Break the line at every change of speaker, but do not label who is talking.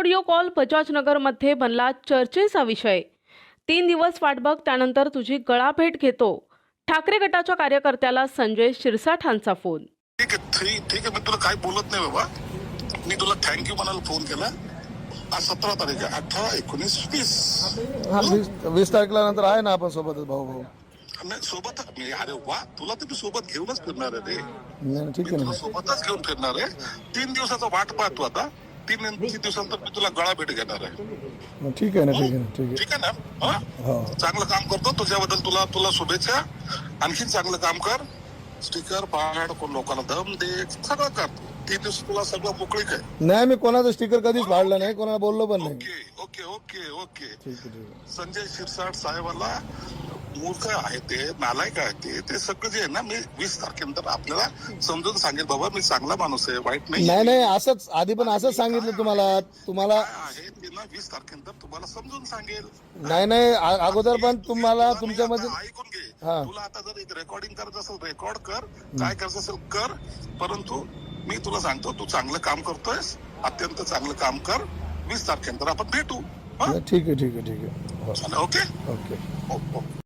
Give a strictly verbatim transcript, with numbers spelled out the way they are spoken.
Audio call बजाजनगरमध्ये बनला चर्चेचा विषय। तीन दिवस वाट बघ, त्यानंतर तुझी गळाभेट घेतो। ठाकरे गटाच्या कार्यकर्त्याला संजय शिरसाठांचा फोन।
ठीक आहे ठीक ठीक आहे, मी तुला काय बोलत नाही बाबा, मी तुला थँक्यू म्हणायला फोन केला। आज सतरा तारीख आहे, अठरा एकोणीस वीस
हा वीस वीस तारखेला नंतर आहे ना आपण सोबतच भाऊ भाऊ
नाही सोबत मी, अरे वा, तुला तर मी सोबत घेऊनच फिरणार आहे रे।
नाही ठीक आहे
तुला
ना,
सोबतच घेऊन फिरणार आहे। तीन दिवसाचा वाट पाहतो आता, तीन तीन दिवसानंतर मी तुला गळा भेट घेणार आहे।
ठीक आहे ना, ठीक आहे ना, ठीक आहे
ठीक आहे ना? हा?
हो
चांगलं काम करतो, तुझ्याबद्दल तुला तुला शुभेच्छा। आणखीन चांगलं काम कर, स्टिकर पाड, कोण लोकांना दम दे, सगळं कर। तीन दिवस तुला सगळं मोकळीक आहे।
नाही, मी कोणाचं स्टिकर कधीच फाडलं नाही, कोणाला बोललो पण नाही।
ओके ओके ओके ओके
ठीक आहे ठीक आहे
संजय शिरसाट साहेबाला मूर्ख आहे ते, नालायक आहे ते, ते सगळं जे आहे ना, मी वीस तारखेनंतर आपल्याला समजून सांगेल बाबा, मी चांगला माणूस आहे, वाईट नाही
नाही नाही असंच आधी पण असंच सांगितलं तुम्हाला तुम्हाला
काय आहे ते ना, वीस तारखेनंतर तुम्हाला समजून सांगेल।
नाही नाही आ- अगोदर पण तुम्हाला
तुला
तुमच्यामध्ये
नाही, आता ऐकून घे,
हा.
तुला आता जर एक रेकॉर्डिंग करायचं असेल रेकॉर्ड कर, काय करायचं असेल कर, परंतु मी तुला सांगतो, तू चांगलं काम करतोयस, अत्यंत चांगलं काम कर। वीस तारखेनंतर आपण भेटू। हा?
ठीक आहे ठीक आहे ठीक आहे
चला, ओके
ओके
ओके